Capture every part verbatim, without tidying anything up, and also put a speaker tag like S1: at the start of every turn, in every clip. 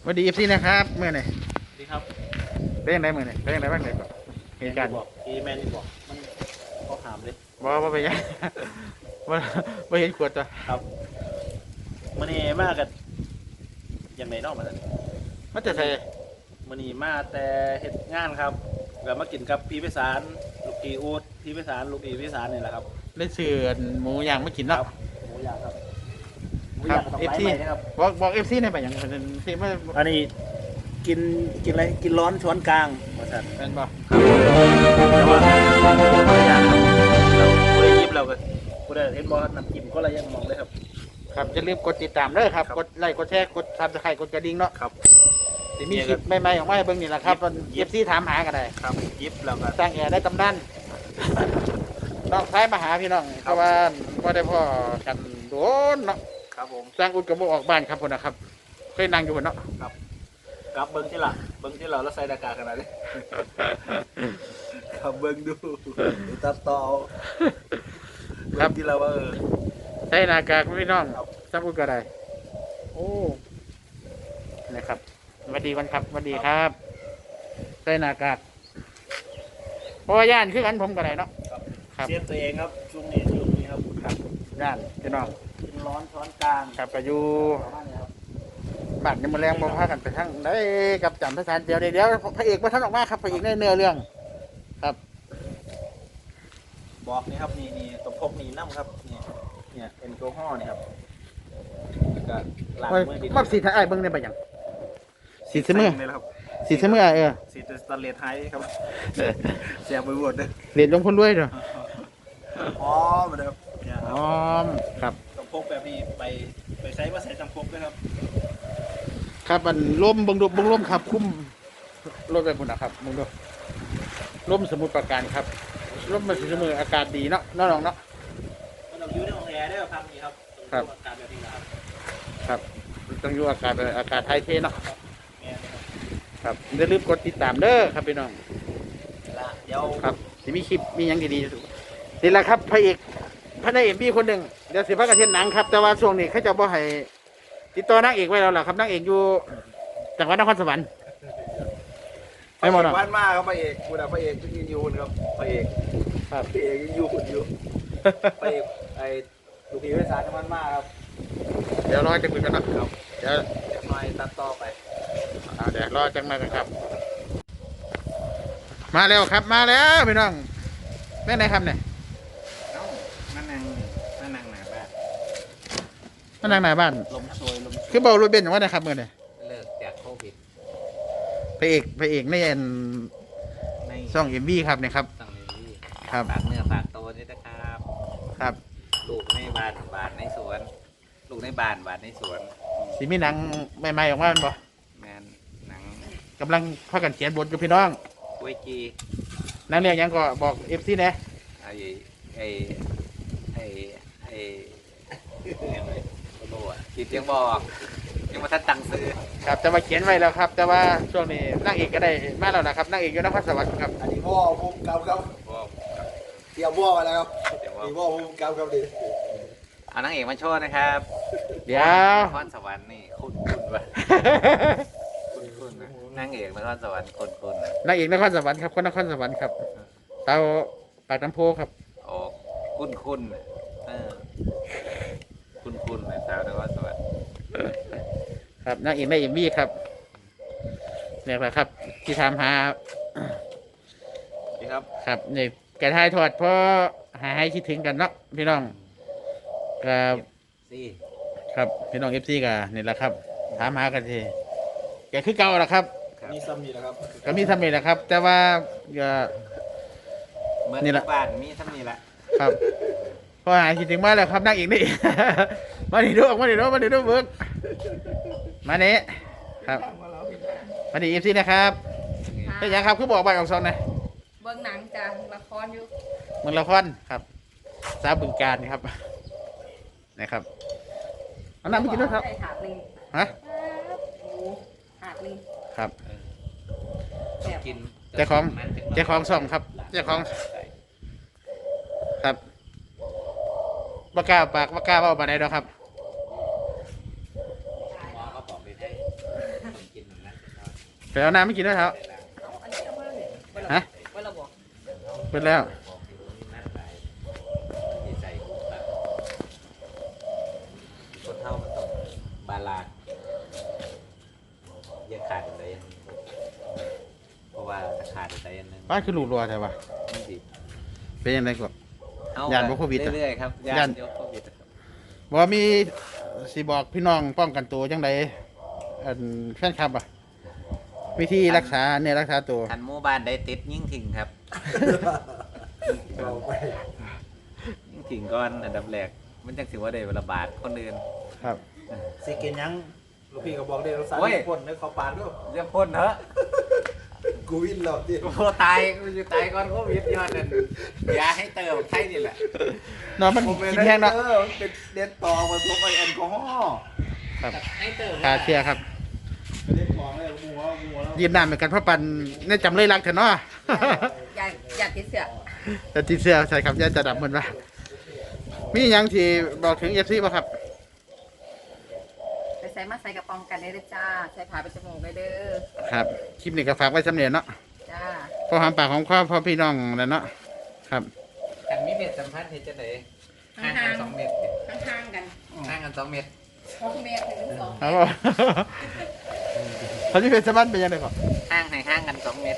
S1: สวัสดีเอฟซีนะครับเมื่อไหร่
S2: ดีครับ
S1: เป็นยังไงเมื่อไหร่เป็นยังไงบ้างเลยเหตุการณ์
S2: บอกอีแมนนี่บอกมันเขาถามเลย
S1: บอกว่าไปยังว่าว่าเห็นขวดตัว
S2: ครับมันนี่มากกันยังไงนอกมาแล้ว
S1: มันจะใส่
S2: มันนี่มาแต่เหตุงานครับแล้วมากินกับพี่พิสารลูกอีอูดพี่พิสารลูกอีพิสารนี่แหละครับ
S1: ได้เสือหมูย่างไม่กินเนาะ
S2: หมูย่างครับหมู
S1: ครั
S2: ย่า
S1: บ
S2: งกับ
S1: เอฟ
S2: ไม้
S1: ซี
S2: ใหม่นะครับ
S1: บอกบอกเอฟซีในไปอย่างเป็นซีไม่
S2: อันนี้กินกินอะไรกินร้อนช้อนกลางมาสั่น
S1: เป็นบ่
S2: แต่ว่าไม่ได้ครับเราไม่ได้ยิบเราก็ไม่ได้เห็นบอลน้ำจิ้มก็อะไรยังมองเลยครับ
S1: ครับจะรีบกดติดตามเด้อครับกดไลค์กดแชร์กดซับสไครต์กดกระดิ่งเนาะ
S2: ครับ
S1: จะมีคลิปใหม่ๆออกมาให้เบิ่งนี่แหละครับเอฟซีถามหากันได้
S2: ครับยิบเราก็
S1: สร้างแอร์ได้ตำนานน้องซ้ายมาหาพี่น้องเพราะว่าว่าได้พ่อกันโดนเนาะ
S2: ครับผม
S1: สร้างอุดกระบอกออกบ้านครับคนนะครับเคยนั่งอยู่บนเนาะ
S2: ครับครับเบิ้งที่หลังเบิ้งที่เราแล้วใส่หน้ากากขนาดนี้ครับเบิ้งดูตัดต่อครับที่เราว่าเออ
S1: ใส่หน้ากากพี่น้องสร้างอุดก็ได้โอ้นะครับสวัสดีวันครับสวัสดีครับใส่หน้ากากเพราะว่าย่านคือกันผมก็ได้เนาะ
S2: ครับเสียตัวเองครับช่วงนี้ช่วงนี้ครับ
S1: ครับย่านพี่น้อง
S2: กินร้อนช้อนกลาง
S1: ครับก็อยู่บ้านยังมาแรงบ่พากันไปทั้งได้กับจำพระสารเดียวเดี๋ยวพระเอกมาท่านออกมาครับพระเอกในเนื้อเรื่องครับ
S2: บอกนี่ครับนี่นี่ตบพกนี่น้ำครับนี่เนี่ยแอลกอฮอล์นี่ครับแล้วก็ล้างมือดี
S1: มาสีไทยเบิ้งได้ปะยังสีเสมอ
S2: เลยครับ
S1: สีเสมอเออ
S2: สีสแตนเลสไฮครับเสียบไปหมดเลย
S1: เหรียญลงพ้นด้วยเนาะ
S2: อ๋อมาเลยครับ
S1: อ๋อครับ
S2: ตบพกแบบนี้ไปไปใช้ว่าใช้ตำพกด้วยครับ
S1: ครับมันร่มบังดูบังร่มครับคุ้มรถไปหมดนะครับมึงดูร่มสมุทรปราการครับร่มมาสีเสมออากาศดีเนาะน้องๆเนาะ
S2: มันต้องอยู่ในห้องแอร์ได้ครับนี่ครับ
S1: ครับ
S2: อากาศแบบนี้ครับ
S1: ครับต้องอยู่อากาศอากาศไทยเทเนาะครับอย่าลืมกดติดตามเด้อครับพี่น้อง
S2: เดี๋ยว
S1: ครับจะมีคลิปมีอย่างดีๆนี่แหละครับพระเอกพระนายเอกพี่คนหนึ่งเดี๋ยวสิพระกระเทียนหนังครับแต่ว่าช่วงนี้เขาจะบ่ให้ติดต่อนางเอกไว้แล้วล่ะครับนางเอกอยู่จังหวัดนครสวรรค์
S2: ไม่หมดหรอกวันมากครับพระเอกคุณอะพระเอกยังอยู่ครับพระเอก
S1: ครับ
S2: พระเอกยังอยู่อยู่พระเอกไอ้ลูกพี่วิสารมันมากครับ
S1: เดี๋ยวรอจะคุยกันนะครับเดี๋ยว
S2: จะหน่อยตัดต่อไป
S1: เดี๋ยวรอจังมากันครับมาแล้วครับมาแล้วพี่น้องแม่ไหนครับเนี่ย
S2: นั่นนางนั่นนางหนาบ้าน
S1: นั่นนางหนาบ้าน
S2: ลมโชยลม
S1: คือเบารถเบนอย่างว่านะครับเมื่อเนี่ย
S2: เลิกจากโควิด
S1: พระเอกพระเอกในเอ็นช่องเอ็มวีครับเนี่ยครับ
S2: ช่องเอ็มวี
S1: ครับ
S2: ฝากเนื้อฝากตัวนี่นะครับ
S1: ครับ
S2: ลูกในบ้านบ้านในสวนลูกในบ้านบ้านในสวน
S1: สีมีหนังใหม่ๆออกมาบ่
S2: แมนหนัง
S1: กำลังพากันเขียนบทกับพี่น้อง
S2: กุ้ยจี
S1: นักเรียนยังก็บอกเอฟซีเนี่ย
S2: ไอ้ไอ้ไอ้ไอ้ยังไงโอ้โหจิตยังบอกยังมาทัดตังซื้อ
S1: ครับแต่ว่าเขียนไว้แล้วครับแต่ว่าช่วงนี้นางเอกก็ได้มาแล้วนะครับนางเอกอยู่นครสวรรค์ครับ
S3: อันนี้พ่อพุ่มกำครับเตรียมพ่อมาแล้วครับมีพ่อพุ่มกำครับดิ
S2: เอานางเอกมาโชว์นะครับ
S1: เดี๋ยวน
S2: ครสวรรค์นี่คุ้นคุ้นวะคุ้นคุ้นนะนางเอกนครสวรรค์คุ้นคุ้นนะ
S1: นางเอกนครสวรรค์ครับคนนครสวรรค์ครับเตาปากน้ำโพครับ
S2: โอ้คุ้นคุ้นเออคุ้นคุ้นนะสาวนครสวรรค์
S1: ครับนางเอกในเอ็มวีครับเนี่ยแหละครับที่ทำหา
S2: ดีครับ
S1: ครับเนี่ยแกทายทอดเพราะหาให้คิดถึงกันเนาะพี่น้องครับครับพี่น้องเอฟซีกันนี่แหละครับถามหากันทีแกคือเก่าแหละครับ
S3: มีซ้ำนี่แหละครับ
S1: ก็มีซ้ำนี่แหละครับแต่ว่าก็
S2: นี่แหละบ้านมีซ้ำนี่แหละ
S1: ครับพอหาคิดถึงมาแล้วครับนั่งอีกนี่มาดิดูมาดิดูมาดิดูเบิร์กมาเนี้ครับมาดิเอฟซีนะครับเป็นยังครับคือบอกใบออกซองนะ
S4: เบิ้งหนังจ้ะละครอยู่
S1: เมืองละครครับสาบึงการครับนะครับเอาน้ำไม่กินด้วยครับ
S4: หาดนึง
S1: ฮะ
S4: หาดนึง
S1: ครับ
S2: กิน
S1: เจ้าของเจ้าของส่องครับเจ้าของครับบากาปากบากาเบาปากไหนดอกครับ
S2: หมอก็บอกไปได้กิน
S1: ไปเอาน้ำไม่กินด้วยครับ
S4: เอาอันนี้เอามาเลยไว้ละ
S1: ฮะ
S4: ไว้ละบอก
S1: เปิดแล้ว
S2: มีใจคนเท่ามันต้องบาลานซ์อย่าขาดอะไรอย่างหนึ่งเพราะว่าถ้าขาดอะไรอย่างหนึง
S1: บ้านคือหลูรัวใช่ปะ
S2: มันสิ
S1: เป็นยังไงก่อน
S2: เอ้
S1: ย่านบ่โควิดอะ
S2: เรื่อยๆครับ
S1: ย่า
S2: ย่าน นยกโควิดอะครับ
S1: บอกว่ามีสิบอกพี่น้องป้องกันตัวจังไดอันแฟนคลับอ่ะวิธีรักษาเนี่ยรักษาตัว
S2: ทันหมู่บ้านได้ติดยิ่งทิ้งครับ
S3: เอาไป
S2: ยิ่งทิ้งก่อนอันดับแรกมันจังสิว่าได้ระบาดคนอื่น
S1: ครับ
S3: สิกินยังลูกพี่ก็บอกได้เราสาร
S2: โอ้ย
S3: พ่นในเขาปานด้วย
S2: เรียกพ่นเถอะ
S3: กูวินแล้วที่
S2: กูตายกูจะตายก่อนโควิดยอดนั่นยาให้เติมใช่นี่แหละ
S1: เนาะมันกินแห้งเนาะ
S3: เออมันเป็นเด็ดต่อมาทุกไอแอลกอฮอล์
S1: ครับ
S2: ให้เติม
S1: คาเชียร์ครับ
S3: ไม่ได้ของเลยหัวหัวแล้ว
S1: ยืนนานเหมือนกันเพราะปันเนี่ยจำเลยรักเถอะเนาะ
S4: อย่าอย่าติดเสือ
S1: แต่ตีเสื้อใส่ครับย่าจะดับมันวะมีหยังที่บอกถึงเอฟซีป่ะครับ
S4: ไปใส่มาใส่กระป๋องกันได้เลยจ้าใส่ผ้าไปจมูกได้เด้อ
S1: ครับคลิปนี้ก็ฝากไว้สำเนียงเนาะ
S4: จ้า
S1: พอหอมปากของข้อพ่อพี่น้องแล้วเนาะครับ
S2: กันมีเม็ดสัมพันธ์เห็นจะไหนห่างกันสองเมตร
S4: ข้างๆกัน
S2: ห่างกันสองเมตร
S4: สองเมตรถึงสอง
S1: ครับผมเขาที่เป็นสมันเป็นยังไงก่อน
S2: ห่างให้ห่างกันสองเมตร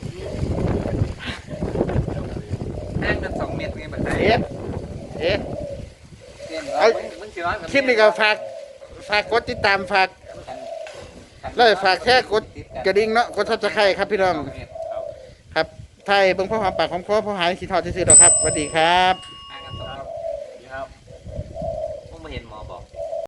S2: ห่างกันสองเมตรไงบัดนี้
S1: เอ๊ะเอ๊ะ
S2: เอ้ยมึงสิร้อยกว่าเมตร
S1: คลิปนี้ก็ฝากฝากกดติดตามฝากแล้วฝากแค่กดกระดิ่งเนาะกดทับสไครต์ครับพี่น้อง
S2: สเมตรครับ
S1: ครับไทยเบิ่งพ่อหอมปากของพ่อพ่อหายสีทอดซื่อๆหรอกครับสวัสดีครับ